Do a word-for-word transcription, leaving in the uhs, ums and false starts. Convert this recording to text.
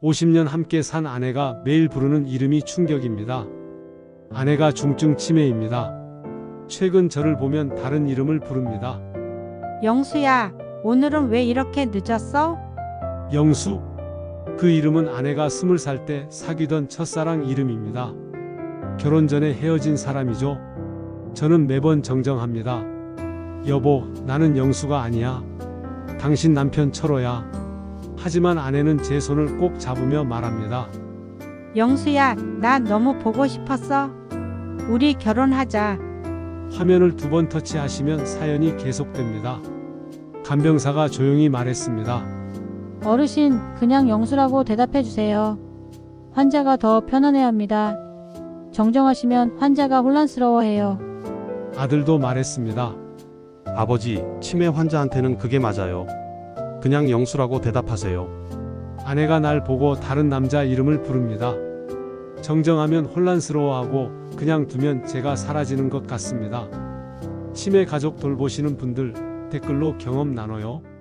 오십 년 함께 산 아내가 매일 부르는 이름이 충격입니다. 아내가 중증 치매입니다. 최근 저를 보면 다른 이름을 부릅니다. 영수야, 오늘은 왜 이렇게 늦었어? 영수. 그 이름은 아내가 스물 살 때 사귀던 첫사랑 이름입니다. 결혼 전에 헤어진 사람이죠. 저는 매번 정정합니다. 여보, 나는 영수가 아니야. 당신 남편 철호야. 하지만 아내는 제 손을 꼭 잡으며 말합니다. 영수야, 나 너무 보고 싶었어. 우리 결혼하자. 화면을 두 번 터치하시면 사연이 계속됩니다. 간병사가 조용히 말했습니다. 어르신, 그냥 영수라고 대답해 주세요. 환자가 더 편안해합니다. 정정하시면 환자가 혼란스러워해요. 아들도 말했습니다. 아버지, 치매 환자한테는 그게 맞아요. 그냥 영수라고 대답하세요. 아내가 날 보고 다른 남자 이름을 부릅니다. 정정하면 혼란스러워하고 그냥 두면 제가 사라지는 것 같습니다. 치매 가족 돌보시는 분들 댓글로 경험 나눠요.